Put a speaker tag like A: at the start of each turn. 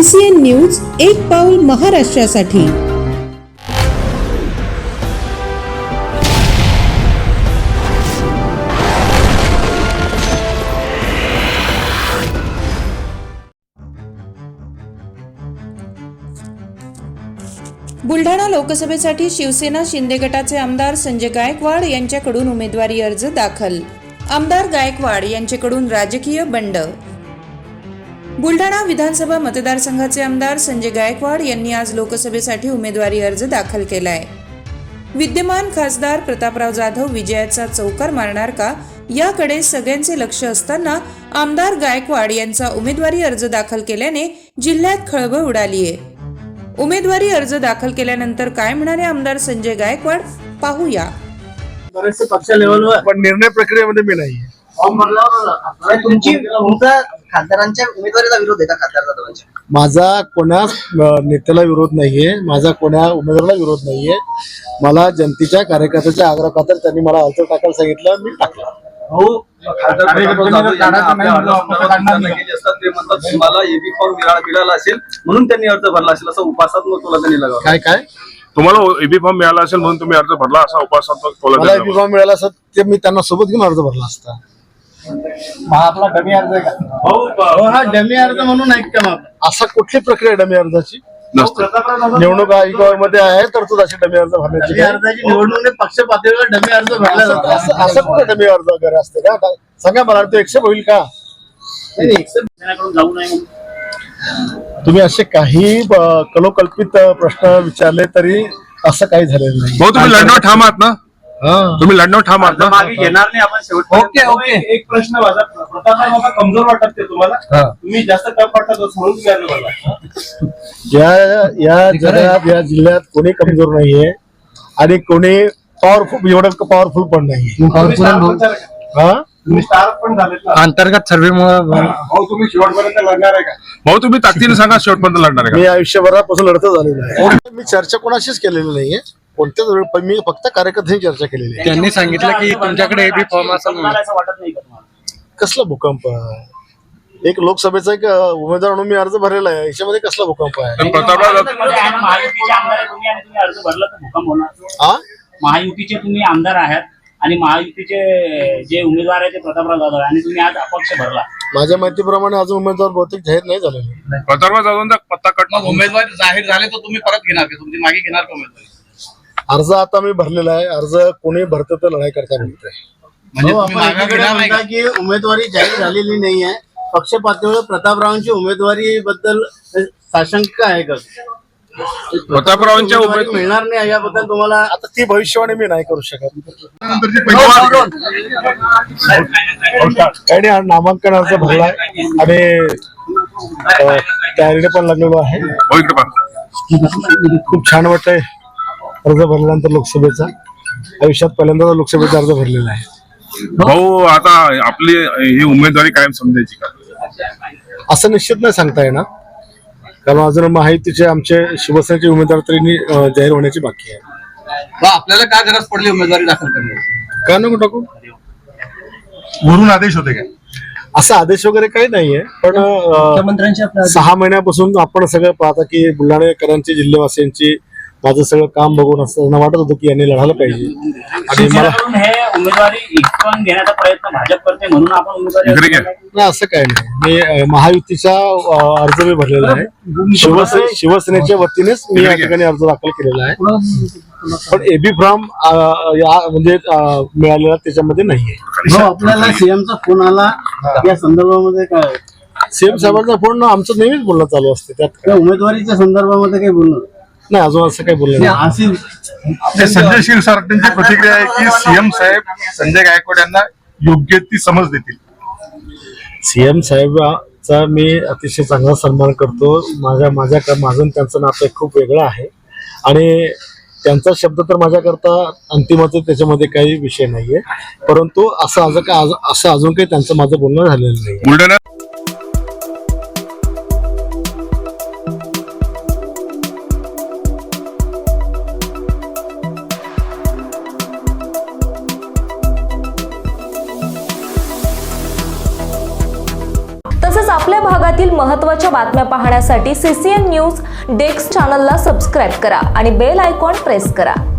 A: LCN news, एक पाऊल महाराष्ट्रासाठी। बुलढाणा लोकसभेसाठी शिवसेना शिंदे गटाचे आमदार संजय गायकवाड यांच्याकडून उमेदवारी अर्ज दाखल। आमदार गायकवाड यांच्याकडून राजकीय बंड। बुलढाणा विधानसभा मतदारसंघाचे आमदार संजय गायकवाड यांनी आज लोकसभेसाठी उमेदवारी अर्ज दाखल केलाय। विद्यमान खासदार प्रतापराव जाधव विजयाचा चौकार मारणार का, याकडे सगळ्यांचे लक्ष असताना आमदार गायकवाड यांचा उमेदवारी अर्ज दाखल केल्याने जिल्ह्यात खळबळ उडालीये। उमेदवारी अर्ज दाखल केल्यानंतर काय म्हणाले आमदार संजय गायकवाड, पाहूया।
B: बरेचसे पक्ष लेवलवर
C: पण निर्णय प्रक्रियेमध्ये मी नाहीये।
B: तुमचा खासदारांच्या उमेदवारीला विरोध आहे का? खासदार जाधवांच्या
C: माझा कोणा नेत्याला विरोध नाहीये, माझा कोणा उमेदवाराला विरोध नाहीये। मला जनतेच्या कार्यकर्त्याच्या आग्रह खातर त्यांनी मला अर्ज टाकायला सांगितलं, मी टाकला।
D: तुम्हाला एबी फॉर्म मिळाला असेल म्हणून त्यांनी अर्ज भरला असेल असं उपासात्मक तुला त्यांनी लगावलं।
C: काय काय
E: तुम्हाला एबी फॉर्म मिळाला असेल म्हणून तुम्ही अर्ज भरला असा उपासात्मक
C: मला एबी फॉर्म मिळाला असता ते मी त्यांना सोबत घेऊन अर्ज भरला असता।
B: आपला डमी अर्ज आहे का? हा डमी अर्ज म्हणून ऐकतो मग
C: असा कुठली प्रक्रिया डमी अर्जाची
E: नसतं।
C: निवडणूक आयोगामध्ये आहे तर तू अशी डमी अर्ज भरण्याची
B: डमी अर्जाची निवडणूक पक्ष पातळीवर डमी अर्ज भरला जातो।
C: असं कुठे डमी अर्ज वगैरे असते का? सांगा मला, तो एक्सेप्ट होईल का?
B: जाऊ नये
C: तुम्ही असे काही कलोकल्पित प्रश्न विचारले तरी असं काही झालेलं नाही।
E: भाऊ तुम्ही लढण्यावर ठाम आहात ना? तुम्ही लढण्यावर ठाम आहात ना?
D: मागे घेणार नाही आपण शेवट।
B: ओके
D: एक प्रश्न माझा, प्रतापराव बाबा कमजोर वाटत ते तुम्हाला? तुम्ही जास्त टफ वाटत म्हणून तुम्ही अर्ज भरला।
C: या जगात या जिल्ह्यात कोणी कमजोर नाहीये आणि कोणी पॉवरफुल, एवढं पॉवरफुल पण नाही।
D: तुम्ही स्टार पण झालेत ना
F: अंतर्गत सर्वेमुळे।
D: भाऊ तुम्ही शेवटपर्यंत लढणार आहे का?
E: भाऊ तुम्ही ताकदीने सांगा शेवटपर्यंत लढणार आहे
C: मी आयुष्यभरापासून लढत झालेलो आहे। मी चर्चा कोणाशीच केलेली नाहीये, कोणत्याच वेळी, पण मी फक्त कार्यकर्त्यांची चर्चा केलेली आहे।
F: त्यांनी सांगितलं की तुमच्याकडे एबी फॉर्म असेल म्हणून।
B: असं वाटत नाही का तुम्हाला?
C: कसला भूकंप? एक लोकसभेचा एक उमेदवार म्हणून मी अर्ज भरलेला आहे, याच्यामध्ये कसला भूकंप आहे?
E: प्रतापराव
G: महायुतीचे आमदार आहे तुम्ही आणि तुम्ही अर्ज भरला तर भूकंप होणार। महायुतीचे तुम्ही आमदार आहात आणि महायुतीचे जे उमेदवार आहे ते प्रतापराव जाधव आणि तुम्ही आज अपक्ष भरला।
C: माझ्या माहितीप्रमाणे अजून उमेदवार बहुतेक जाहीर नाही झालेले।
E: प्रतापराव जाधवांचा पत्ता कटणार।
D: उमेदवार जाहीर झाले तर तुम्ही परत घेणार का? तुमची मागे घेणार का उमेदवारी?
C: अर्ज आता मी भरलेला आहे। अर्ज कोणी भरत तर लढाई करता म्हणतोय।
D: म्हणजे तुम्ही मागे घेणार नाही का?
B: की उमेदवारी जाहीर झालेली नाही आहे, पक्ष पातळीवर प्रतापरावांची उमेदवारी बद्दल साशंका आहे का?
E: प्रतापरावांच्या
B: उमेदवारी मिळणार नाही याबद्दल तुम्हाला
C: आता ती भविष्यवाणी मी नाही करू शकत। काही नामांकन अर्ज भरलाय आणि तयारीने पण लागलेलो आहे।
E: भाऊ इकडे पहा।
C: खूप छान वाटतंय अर्ज भरल्यानंतर लोकसभेचा। आयुष्यात पहिल्यांदा लोकसभेचा अर्ज भरलेला आहे।
E: भाऊ आता आपली ही उमेदवारी कायम समजायची का?
C: असं निश्चित नाही सांगता येणार, कारण अजून महायुतीचे आमचे शिवसेनेचे उमेदवार तरी जाहीर होण्याची बाकी आहे।
D: आपल्याला काय गरज पडली उमेदवारी दाखल करण्याची?
C: काय नको टाकू,
E: वरून आदेश होते काय?
C: असा आदेश वगैरे काही नाहीये, पण 6 महिन्यापासून आपण सगळं पाहता की बुलढाणेकरांची, जिल्हेवासियांची माझं सगळं काम बघून असताना वाटत होतं की यांनी लढायला पाहिजे। आणि मला
G: हे उमेदवारी हिसकावून घेण्याचा प्रयत्न भाजप करते म्हणून आपण उमेदवारी
C: नाही, असं काही नाही। मी महायुतीचा अर्ज मी भरलेला आहे। शिवसेनेच्या वतीनेच मी या ठिकाणी अर्ज दाखल केलेला आहे, पण एबी फॉर्म म्हणजे मिळालेला त्याच्यामध्ये नाहीये।
B: आपल्याला सीएमचा फोन आला या संदर्भामध्ये काय?
C: सीएम साहेबांचा फोन आमचं नेहमीच बोलणं चालू असते, त्यात
B: उमेदवारीच्या संदर्भामध्ये काही बोलणं
C: नाही, अजून असं काही बोललं नाही।
E: संजय क्षीरसागरची प्रतिक्रिया आहे की सीएम साहेब संजय गायकवाड यांना योग्य ती समज देतील।
C: सीएम साहेबांचा मी अतिशय चांगला सन्मान करतो। माझं त्यांचं नातं खूप वेगळं आहे आणि त्यांचा शब्द तर माझ्याकरता अंतिमच, त्याच्यामध्ये काही विषय नाहीये, परंतु असं अजून काही त्यांचं माझं बोलणं झालेलं नाही।
E: बुलढाणा
H: तसेच आपल्या भागातील महत्त्वाच्या बातम्या पाहण्यासाठी CCN न्यूज डेस्क चॅनलला सबस्क्राईब करा आणि बेल आयकॉन प्रेस करा.